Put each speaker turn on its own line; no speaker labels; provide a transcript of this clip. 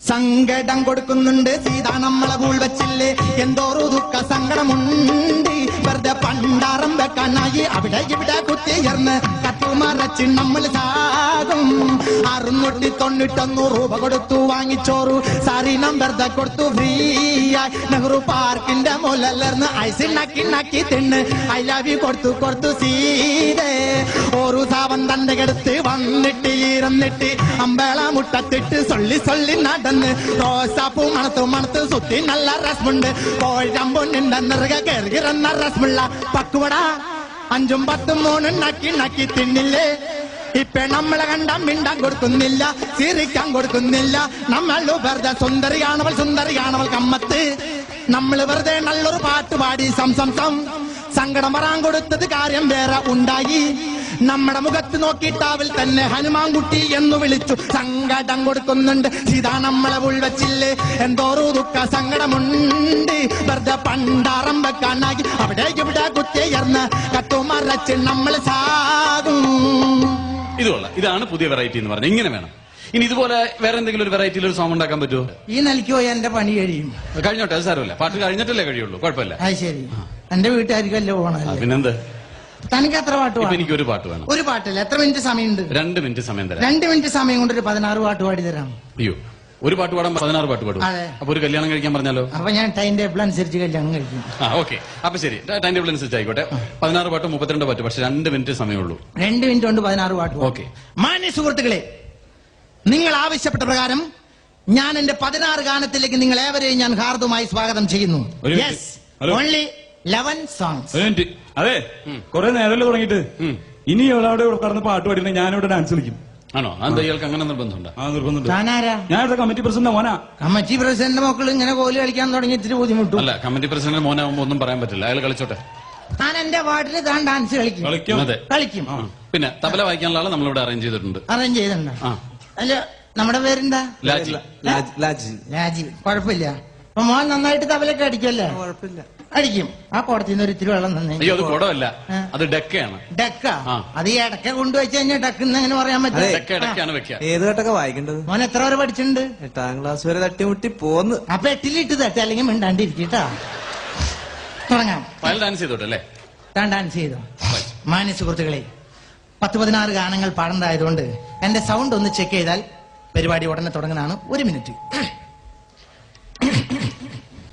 സങ്കടം കൊടുക്കുന്നുണ്ട് സീതാ നമ്മളെ കൂൾ വെച്ചില്ലേ എന്തോരു ദുഃഖ സങ്കടമുണ്ട് വെറുതെ പണ്ടാറം വെക്കാനായി അവിടെ ഇവിടെ കുത്തിയർന്ന് കത്തുമറച്ച് നമ്മൾ സാകും 691 രൂപ കൊടുത്തു വാങ്ങിച്ചോറു സാരീനം വെറുതെ കൊടുത്തു ഫ്രീ ആയി നെഹ്റു പാർക്കിന്റെ മുലർന്ന് ഐസ് നക്കി തിന്ന് ഐ ലവ് യു കൊടുത്തു സീതേ ഒരു സാവൻ തന്റെ കെടുത്ത് വന്നിട്ട് ഇരുന്നിട്ട് അമ്പേള മുട്ടത്തിട്ട് സൊള്ളി നടന്ന് റോസാപ്പൂ മണത്ത് സുത്തി നല്ല രസമുണ്ട് കോഴമ്പൊന്നിന്റെ നിറക കയറുന്ന രസമുള്ള പക്കുവട 5ഉം 10ഉം 3ഉം നക്കി തിന്നില്ലേ ഇപ്പൊ നമ്മളെ കണ്ട മിണ്ടാൻ കൊടുക്കുന്നില്ല ചിരിക്കാൻ കൊടുക്കുന്നില്ല നമ്മൾ വെറുതെ സുന്ദരിയാണവൾ കമ്മത്ത് നമ്മൾ വെറുതെ നല്ലൊരു പാട്ട് പാടി സം സങ്കടം വരാൻ കൊടുത്തത് കാര്യം വേറെ ഉണ്ടായി നമ്മുടെ മുഖത്ത് നോക്കിയിട്ടാവിൽ തന്നെ ഹനുമാൻകുട്ടി എന്ന് വിളിച്ചു സങ്കടം കൊടുക്കുന്നുണ്ട് സീതാ നമ്മളെ ഉൾവച്ചില്ലേ എന്തോരു ദുഃഖ സങ്കടമുണ്ട് വെറുതെ പണ്ടാറം വെക്കാനായി അവിടെ ഇവിടെ കുത്തിയർന്ന് കത്തുമറച്ച് നമ്മൾ സാകും.
ഇതാണ് പുതിയ വെറൈറ്റി എന്ന് പറഞ്ഞാൽ ഇങ്ങനെ വേണം. ഇനി ഇതുപോലെ വേറെ എന്തെങ്കിലും ഒരു വെറൈറ്റിയിൽ ഒരു സോങ് ഉണ്ടാക്കാൻ പറ്റുമോ?
ഈ നിലയ്ക്ക് പോയി എന്റെ പണി കഴിയും.
കഴിഞ്ഞോട്ടെ, അത് സാരമില്ല. പാട്ട് കഴിഞ്ഞിട്ടല്ലേ കഴിയുള്ളൂ, കുഴപ്പമില്ല.
ശരി, എന്റെ വീട്ടുകാർക്കല്ലേ പോകണം.
പിന്നെന്ത്?
തനിക്ക് എത്ര പാട്ട് വേണം?
എനിക്ക് ഒരു പാട്ട് വേണം.
ഒരു പാട്ടില്ല, എത്ര മിനിറ്റ് സമയമുണ്ട്?
2 മിനിറ്റ് സമയം തരാം.
2 മിനിറ്റ് സമയം കൊണ്ട് ഒരു 16 പാട്ട് പാടി തരാം.
അയ്യോ, ഒരു പാട്ട് പാടാൻ 16 പാട്ട് പാടും. അപ്പൊ ഒരു കല്യാണം കഴിക്കാൻ പറഞ്ഞാലോ?
അപ്പൊ ഞാൻ ടൈം ടേബിൾ അനുസരിച്ച് കല്യാണം കഴിക്കും.
ഓക്കെ, അപ്പൊ ശരി, ടൈം ടേബിൾ അനുസരിച്ച് ആയിക്കോട്ടെ. 16 പാട്ട് 32 പാട്ട്, പക്ഷെ 2 മിനിറ്റ് സമയമുള്ളൂ.
2 മിനിറ്റ് കൊണ്ട് 16 പാട്ട്.
ഓക്കെ.
മാന്യ സുഹൃത്തുക്കളെ, നിങ്ങൾ ആവശ്യപ്പെട്ട പ്രകാരം ഞാൻ എന്റെ 16 ഗാനത്തിലേക്ക് നിങ്ങൾ ഏവരെയും ഞാൻ ഹാർദമായി സ്വാഗതം ചെയ്യുന്നു. Yes, only 11 songs.
അതെ, കുറെ നേരമല്ലേ തുടങ്ങിയിട്ട്. ഇനി അവിടെ കടന്ന് പാട്ട് പാടിയിട്ട് ഞാനിവിടെ ഡാൻസ് കളിക്കും.
ആണോ? എന്താ ഇയാൾക്ക് അങ്ങനെ നിർബന്ധമുണ്ടോ?
ഞാൻ ഇവിടെ കമ്മിറ്റി പ്രസിഡന്റ് മോനാ.
കമ്മിറ്റി പ്രസിഡന്റ് മക്കൾ ഇങ്ങനെ കോല് കളിക്കാൻ തുടങ്ങി ഇത്തിരി ബുദ്ധിമുട്ടും.
അല്ല, കമ്മിറ്റി പ്രസിഡന്റ് മോനാവുമ്പോ ഒന്നും പറയാൻ പറ്റില്ല. അയാൾ കളിച്ചോട്ടെ.
ഞാൻ എന്റെ വാർഡിൽ താൻ ഡാൻസ് കളിക്കും.
പിന്നെ തബല വായിക്കാനുള്ള ആളെ നമ്മളിവിടെ അറേഞ്ച് ചെയ്തിട്ടുണ്ട്.
അല്ല, നമ്മുടെ പേരെന്താ?
ലാജി.
കുഴപ്പമില്ല. അപ്പൊ മോൻ നന്നായിട്ട് തബലൊക്കെ അടിക്കല്ലേ?
കുഴപ്പമില്ല,
അടിക്കും. ആ കുടത്തിന്ന് ഒരു ഇത്തിരി വെള്ളം തന്നെ.
അയ്യോ, അത് കുടമല്ല, അത് ഡെക്കയാണ്.
ഡെക്ക? അത് ഈ ഇടക്ക കൊണ്ടുവച്ച് കഴിഞ്ഞാൽ ഡെക്കെന്ന് എങ്ങനെ പറയാൻ പറ്റും?
ഏത് ഘട്ടൊക്കെ വായിക്കേണ്ടത്?
മോൻ എത്ര വരെ പഠിച്ചിട്ടുണ്ട്?
8ാം ക്ലാസ് വരെ തട്ടിമുട്ടി പോന്ന്.
അപ്പൊ 8ലിട്ട് തട്ടി, അല്ലെങ്കിൽ മിണ്ടാണ്ടിരിക്കട്ടാ. തുടങ്ങാം.
ഡാൻസ് ചെയ്തോട്ടല്ലേ?
താൻ ഡാൻസ് ചെയ്തോ? മാന്യ സുഹൃത്തുക്കളെ, 10-16 ഗാനങ്ങൾ പാടേണ്ടതായതുകൊണ്ട് എന്റെ സൗണ്ട് ഒന്ന് ചെക്ക് ചെയ്താൽ പരിപാടി ഉടനെ തുടങ്ങുന്നതാണ്. 1 മിനിറ്റ്.